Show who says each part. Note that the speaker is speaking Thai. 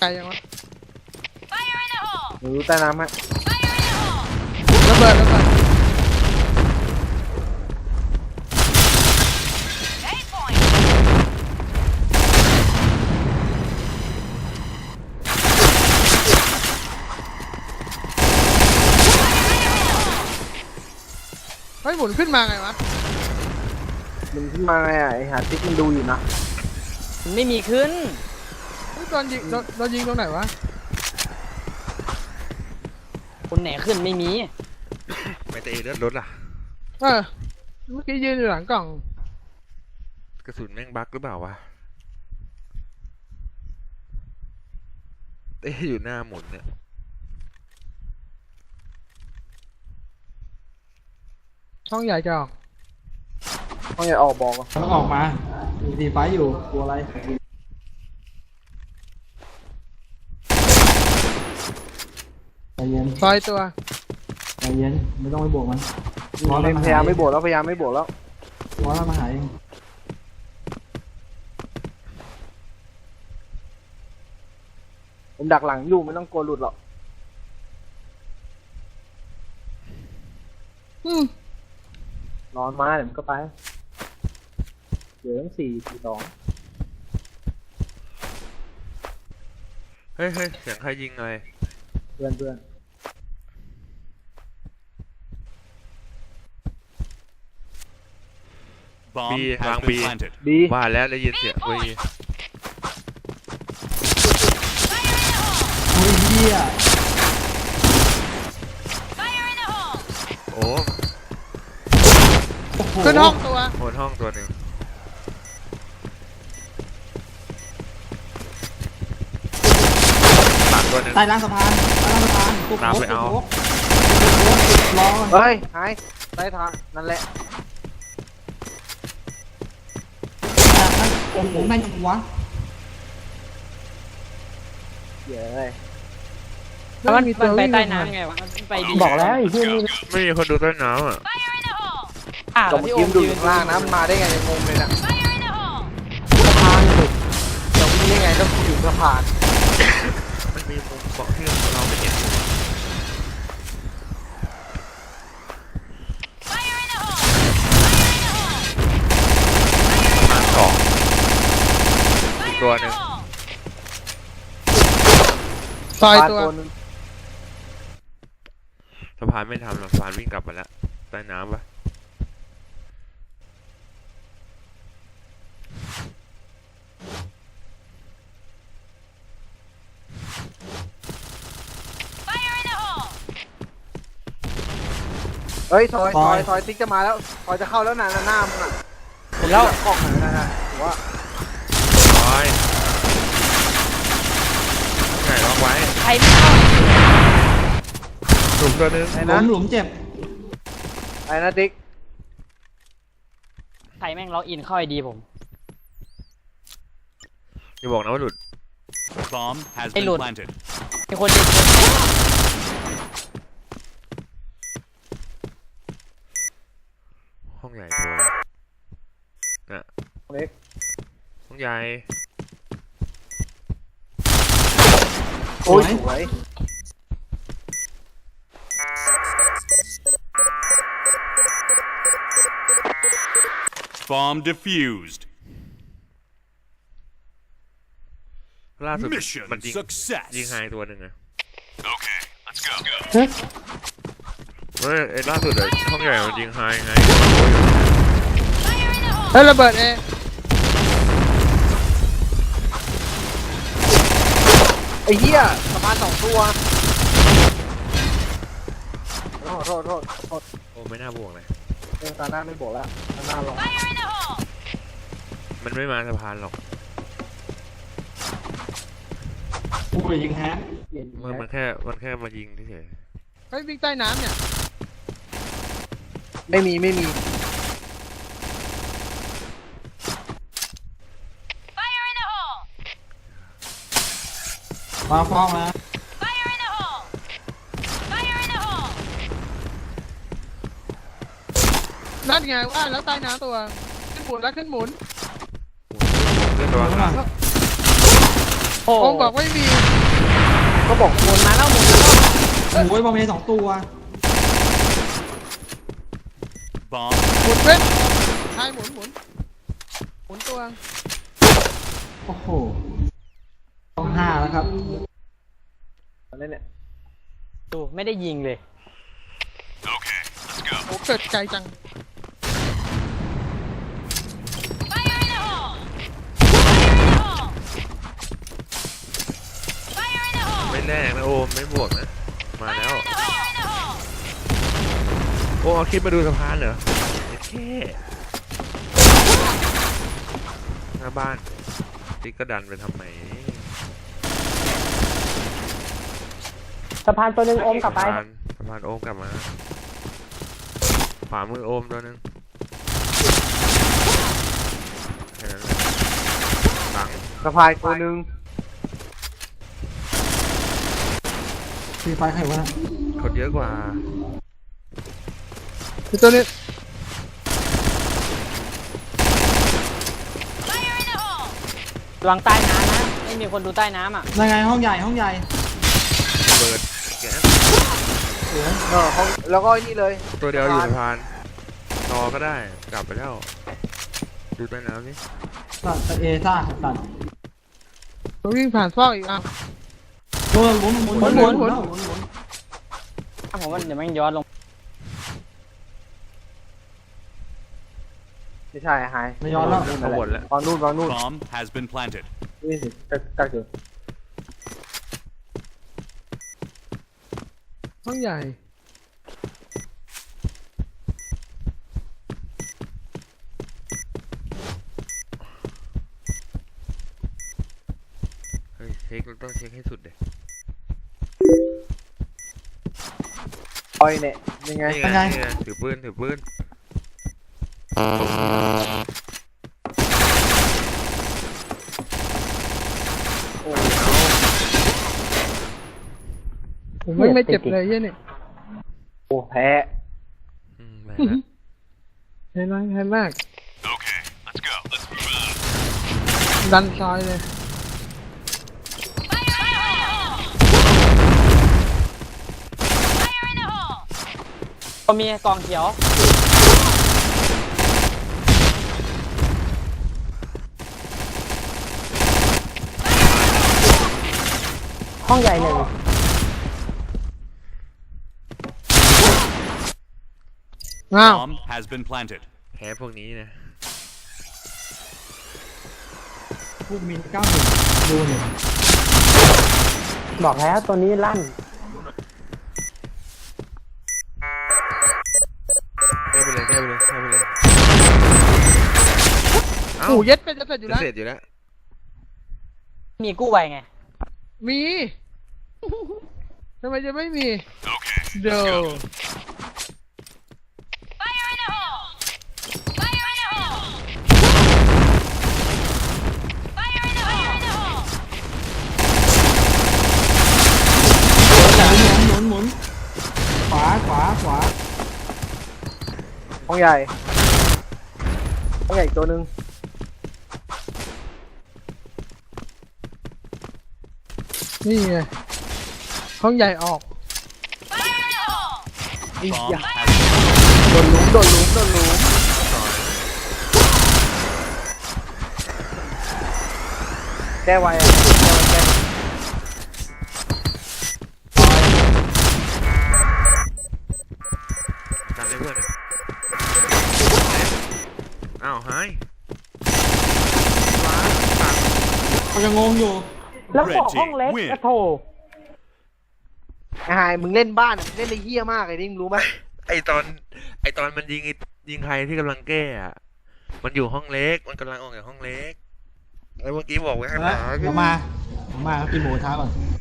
Speaker 1: ไกลยังวะ
Speaker 2: รู้ใต้น้ำฮะ
Speaker 1: ระเบิดเฮ้ยหมุนขึ้นมาไงวะ
Speaker 2: มันขึ้นมาไงไอ้หาติ๊กมันดูอยู่นะ
Speaker 3: มันไม่มีขึ้น
Speaker 1: เฮ้ยโดนยิงโดนยิงตรงไหนวะ
Speaker 3: คนไหนขึ้นไม่มี
Speaker 4: ไม่แต่เลือดรถล่ะ
Speaker 1: เมื่อกี้ยืนอยู่หลังกล่อง
Speaker 4: กระสุนแม่งบั๊กหรือเปล่าวะอยู่หน้าหมุนเนี่ย
Speaker 1: ช่องใหญ่จะออก
Speaker 2: ต้องอย่าออกบอกอ่ะ
Speaker 5: ต้องออกมาดีไฟอยู่กลัวอะไรใจเย็น
Speaker 1: ซอยตัว
Speaker 5: ใจเย็นไม่ต้องไปบวกมัน
Speaker 2: พยายามไม่บวกแล้วพยายามไม่บวกแล้ว
Speaker 5: ร้อนแล้วมาหาเอง
Speaker 2: ผมดักหลังอยู่ไม่ต้องกลัวหลุดหรอก นอนมาเดี๋ยวมันก็ไปเดี๋ยวตั้ง4-2
Speaker 4: เฮ้ยเสียงใครยิงอะไร
Speaker 2: เพื่อน
Speaker 6: Bomb
Speaker 4: B,
Speaker 6: has
Speaker 4: wrong
Speaker 6: been
Speaker 4: B.
Speaker 6: planted.
Speaker 2: ดี
Speaker 4: ว่าแล้วได้ยินเสียงเว้ย
Speaker 5: โอ้ยเหี้ย
Speaker 4: โอ้
Speaker 5: โอ้โห
Speaker 1: ขึ้นห้องตัว
Speaker 4: โหนห้องตัวหนึ่งหลังตัวหนึ่ง
Speaker 5: ใต้ล่างสะพานตุ๊ก
Speaker 4: ตามไปเอา
Speaker 5: รอ
Speaker 2: เฮ้ยหายใต้ทางนั่นแหละ
Speaker 5: โอ้โหแม่งยังวะ
Speaker 2: เดี๋ยว
Speaker 3: แล้วมันไปใต้น้ำไงวะมันไปดี
Speaker 2: บอกแล้วไอ้เพื่อนนี่
Speaker 4: ไม่มีคนดูใต้น้ำอ่ะ
Speaker 2: ก็เมื่อกี้มันดูอยู่ข้างล่างนะมันมาได้ไงงงเลยนะสะพานเลยจะวิ่งได้ไงต้องอยู่สะพาน
Speaker 4: มันมีมุมเกาะที่เราไม่เห็นประมาณ2อีกตัวหนึ่ง
Speaker 1: ซอยตัว
Speaker 2: นึง
Speaker 4: สะพานไม่ทำหรอกสะพานวิ่งกลับมาแล้วใต้น้ำปะ
Speaker 2: เฮ้ยซอยติ๊กจะมาแล้วซอยจะเข้าแล้วนะหน้ามึงอ่ะ
Speaker 3: ผมแล้ว
Speaker 2: กล้องไหนนะผมว่า
Speaker 4: ร้อยไงล็อกไว้
Speaker 3: ใครไม่เข้า
Speaker 4: ถูกตัวหนึง
Speaker 2: ไอ้
Speaker 5: หลุ
Speaker 2: นะ
Speaker 5: มหลุมเจ็บ
Speaker 2: ไอ้นะติ๊ก
Speaker 3: ใครแม่งล็อกอินเข้าไอดีผม
Speaker 4: อย่าบอกนะว่าหลุด
Speaker 6: Bomb has
Speaker 3: Hey,
Speaker 6: been
Speaker 3: Lord.
Speaker 6: planted.
Speaker 3: มีคนยิง
Speaker 4: ห้องใหญ่ตัวน่ะ
Speaker 2: เล็ก
Speaker 4: ห้องใหญ่
Speaker 2: โอ้ยสวย
Speaker 6: Bomb defused.
Speaker 4: ล่าสุด
Speaker 6: Mission
Speaker 4: มันยิง
Speaker 6: success.
Speaker 4: ยิงไฮตัวหนึ่งอะ
Speaker 6: Okay, let's go.
Speaker 4: เฮ้ยไอ้ล่าสุดอะห้องใหญ่มันยิงไฮไง
Speaker 1: เฮ้ยระเบิดเอง
Speaker 2: ไอ้เหี้ยสะพาน2 ตัวโทษ
Speaker 4: โอ้ไม่น่าบวกเลย
Speaker 2: ตาหน้าไม่บอกแล้วตาหน้าลอง
Speaker 4: มันไม่มาสะพานหรอก
Speaker 5: โอ้ยยิงฮะ
Speaker 4: มันแค่มายิงเฉย
Speaker 1: เฮ้ยวิ่งใต้น้ำเนี่ย
Speaker 2: ไม่มี
Speaker 5: มาฟ้องนะ
Speaker 1: นั่นไงว่าแล้วใต้น้ำตัวขึ้นหมุน
Speaker 4: ๆเรื่องระวังหลัง
Speaker 3: โอ้
Speaker 1: โอมบอกไม่มี
Speaker 2: ก็บอก
Speaker 3: หมุนมาแล้วหมุนมาแล้ว
Speaker 5: โอ้ยบอมเมย์2 ตัว
Speaker 6: Bomb
Speaker 1: หมุนเป็นใช่หมุนหมุนตัว
Speaker 5: โอ้โหต้อง5แล้วครับ
Speaker 2: อะไรเนี่ย
Speaker 3: ดูไม่ได้ยิงเลย
Speaker 6: Okay, let's go.
Speaker 1: โอ้เกิดไกลจัง
Speaker 4: ไม่แน่นะโอมไม่บวกนะ มาแล้ว โอ้เอาคลิปมาดูสะพานเหรอแค่หน้าบ้านติ๊กก็ดันไปทำไม
Speaker 3: สะพานตัวหนึ่งโอมกลับไป
Speaker 4: สะพานโอมกลับมาขวามือโอมตัวหนึงแค่นั้นแหละหลัง
Speaker 2: สะพายตัวหนึ่ง
Speaker 5: ฟรีไฟใครวะนะ
Speaker 4: คนเยอะกว่า
Speaker 1: คือตัวนี้
Speaker 3: ระวังใต้น้ำนะไม่มีคนดูใต้น้ำอ่ะ
Speaker 5: ยังไงห้องใหญ่ห้องใหญ่
Speaker 4: เปิดแก๊ส
Speaker 2: ห้องแล้วก็นี่เลย
Speaker 4: ตัวเดียวอยู่สะพานรอก็ได้กลับไปแล้ว ดูใต้น้ำนี่
Speaker 5: ตัดเอซ่าตัด
Speaker 1: ตัววิ่งผ่านซอกอีกอ่ะ
Speaker 5: โดนหมุน
Speaker 1: หมุน
Speaker 3: ผมว่าเดี๋ยวมันย้อนลง
Speaker 2: ไม่ใช่หาย
Speaker 5: ไม่ย้อนแล้ว
Speaker 4: เขาบ่นแล้ว
Speaker 2: วางนู่นวางนู่น
Speaker 6: Bomb has been planted.
Speaker 2: นี่สิตักอยู่
Speaker 1: ห้องใหญ่
Speaker 4: เฮ้ยเช็คเราต้องเช็คให้สุดเด็
Speaker 2: ปล่อยเนี่ยยังไง
Speaker 4: นี่ไงนี่ไงถือปืนถือปืน
Speaker 2: โอ้
Speaker 1: ผมไม่เจ็บเลยเหี้ยเนี่ย
Speaker 2: โหแพ้
Speaker 4: แม่ละ
Speaker 1: เห็นไหมเห็นมาก
Speaker 6: Okay, let's go. Let's move out.
Speaker 1: ดันซอยเลย
Speaker 3: ก็มีกองเขียว ห้องใหญ่หนึ่ง
Speaker 1: อ้าว
Speaker 6: Bomb has been planted.
Speaker 4: แพ้พวกนี้นะ
Speaker 5: พวกมิน91ดูเนี่ย
Speaker 3: บอกแล้วตัวนี้ลั่น
Speaker 4: แพ้ไปเลยแพ้ไปเลยแพ้ไปเลยเอ้า
Speaker 1: โอ้เย็ดเป็นจะเสร็จอยู่
Speaker 4: จะ
Speaker 1: แล้ว
Speaker 4: เสร็จอยู่แล้ว
Speaker 3: มีกู้ไวไง
Speaker 1: มีทำไมจะไม่มี
Speaker 6: Okay,
Speaker 1: เดี๋ยว
Speaker 5: หมุนขวา
Speaker 2: ห้องใหญ่อีกตัวหนึ่ง
Speaker 1: นี่ไงห้องใหญ่ออก
Speaker 6: bomb has
Speaker 2: โดนหลุมแก้ไวอ่ะแก้
Speaker 4: กันเลยเพื่อนอ้าวหาย
Speaker 5: เขายังงงอยู่
Speaker 3: แล้วบอกห้องเล็กกระโถ
Speaker 2: ไอ้หายมึงเล่นบ้านอะเล่นในเหี้ยมากไอ้นี่มึงรู้ไหม
Speaker 4: ไอตอนมันยิงใครที่กำลังแก้อะมันอยู่ห้องเล็กมันกำลังออกจากห้องเล็กแล้วเมื่อกี้บอกไว้ข้างหลัง
Speaker 5: เดี๋ยวมากินหมูกระทะก่อน